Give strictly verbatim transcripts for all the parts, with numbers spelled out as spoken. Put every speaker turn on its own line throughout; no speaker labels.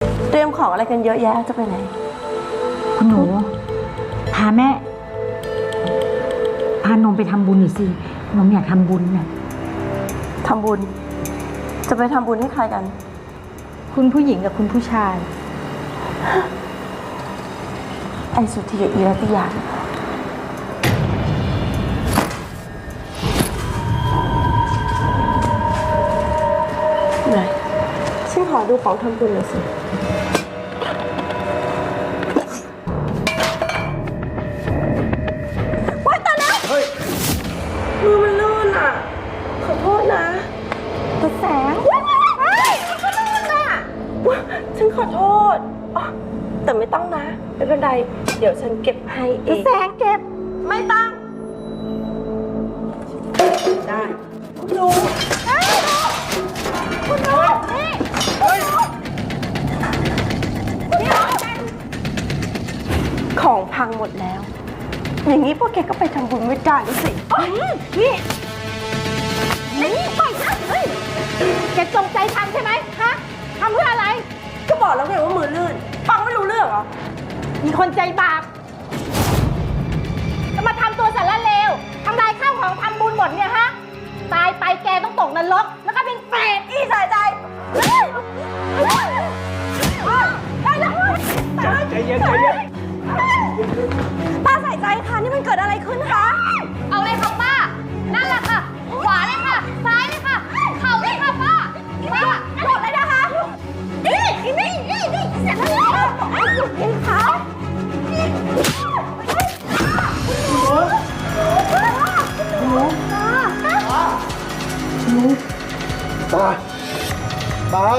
เตรียมของอะไรกันเยอะแยะจะไปไหน
คุณหนูพาแม่พานมไปทำบุญหน่อยสินมอยากทำบุญเนี่ย
ทำบุญจะไปทำบุญให้ใครกัน
คุณผู้หญิงกับคุณผู้ชาย
ไอ้สุธีกับอีรัตยาไหนฉันขอดูของทำบุญหน่อยสิว้ายตายแล้วเฮ้ยมือมันลื่นอ่ะขอโทษนะตาแสงว้ายว้ายมันก็ลื่นอ่ะฉันขอโทษแต่ไม่ต้องนะไม่เป็นไรเดี๋ยวฉันเก็บให้เองตาแสงเก็บไม่ต้องได้คุณดูคุณดูนี่ของพังหมดแล้วอย่างนี้พวกแกก็ไปทำบุญไม่ได้ด้วยสินี่นี่ปล่อยนะเฮ้ยแกจงใจทำใช่ไหมฮะทำเพื่ออะไรก็บอกแล้วไงว่ามือลื่นฟังไม่รู้เรื่องเหรอมีคนใจบาปจะมาทำตัวสารเลวทำลายข้าวของทำบุญหมดเนี่ยฮะตายไปแกต้องตกนรกแล้วก็เป็นเปรตอีสายใจได้แล้วใจเย็นใจเย็นป้าใส่ใจค่ะนี่มันเกิดอะไรขึ้นคะเอาเลยค่ะป้านั่นแหละค่ะขวาเลยค่ะซ้ายเลยค่ะเข่าเลยค่ะป้าป้าหมดเลยนะคะนี่นี่นี่นี่เสร็จแล้วหยุดเองค่ะ
ตาตา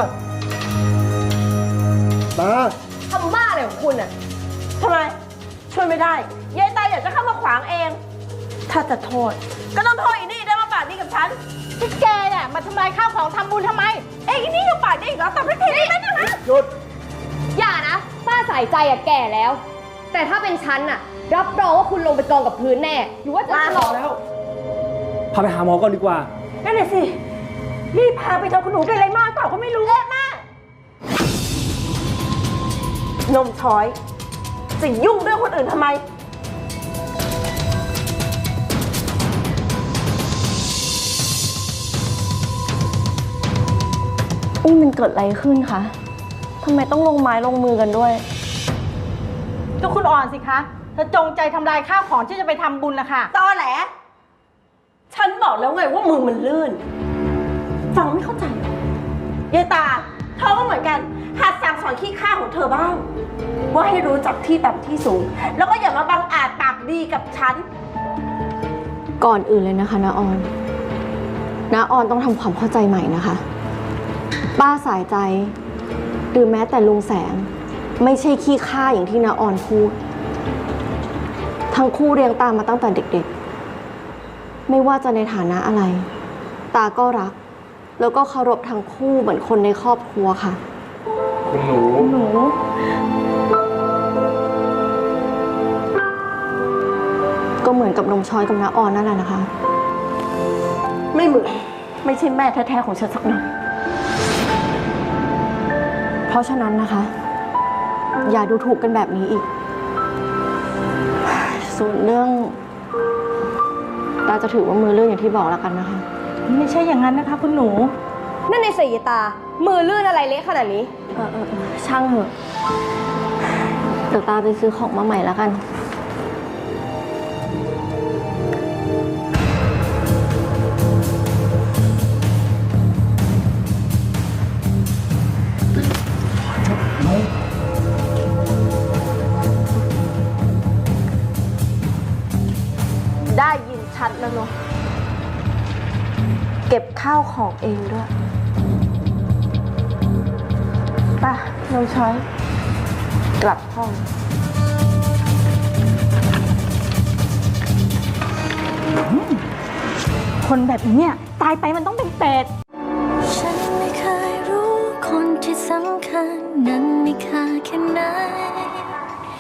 ตา
ทำบ้าอะไรของคุณอ่ะทำไมช่วยไม่ได้ยายตาอยากจะเข้ามาขวางเองถ้าจะโทษก็ต้องโทษอีนี่ได้มาปากดีกับฉันที่แกเนี่ยมาทำลายข้าวของทำบุญทำไมเอ้ยอีนี่ยังปากดีอีกแล้วตบไม่ผิดได้ไหมเนี่ยฮะ
หยุด
อย่านะป้าใส่ใจอะแก่แล้ว แต่ถ้าเป็นฉันอะรับรองว่าคุณลงไปกองกับพื้นแน่หรือว่าจะ
ทะเลาะแล้ว
พาไปหาหมอก่อนดีกว่า
นั่นแหละสิรีบพาไปเถอะคุณหนูเป็นอะไรมากเปล่าก็ไม่รู้เอ๊ะแม่นมช้อยจะยุ่งเรื่องคนอื่นทำไมนี่มันเกิดอะไรขึ้นคะทำไมต้องลงไม้ลงมือกันด้วย
ก็คุณอ่อนสิคะเธอจงใจทำลายข้าวของที่จะไปทำบุญนะคะ
ตอแหลฉันบอกแล้วไงว่ามือมันลื่นฟังไม่เข้าใจหรอยายตาเธอก็เหมือนกันหัดสั่งสอนขี้ข้าของเธอบ้างว่าให้รู้จักที่ต่ำที่สูงแล้วก็อย่ามาบังอาจปากดีกับฉัน
ก่อนอื่นเลยนะคะน้าออนน้าออนต้องทำความเข้าใจใหม่นะคะป้าสายใจหรือแม้แต่ลุงแสงไม่ใช่ขี้ข้าอย่างที่น้าออนพูดทั้งคู่เรียงตามมาตั้งแต่เด็กๆไม่ว่าจะในฐานะอะไรตาก็รักแล้วก็เคารพทั้งคู่เหมือนคนในครอบครัวค่ะ
คุณหนู
หนูก็เหมือนกับนมช้อยกับน้าออนนั่นแหละนะคะ
ไม่เหมือนไม่ใช่แม่แท้ๆของฉันสักหน่อย
เพราะฉะนั้นนะคะอย่าดูถูกกันแบบนี้อีกส่วนเรื่องตาจะถือว่ามือลื่นอย่างที่บอกแล้วกันนะคะ
ไม่ใช่อย่างนั้นนะคะคุณหนู
นั่นในสีตามือลื่นอะไรเละขนาดนี้
เออเออช่างเถอะเดี๋ยวตาไปซื้อของมาใหม่แล้วกัน
ได้ยินชัดแล้วเนาะเก็บข้าวของเองด้วยป่ะน้องช้อยกลับห้อง
คนแบบนี้เนี่ยตายไปมันต้องเป็นเปรต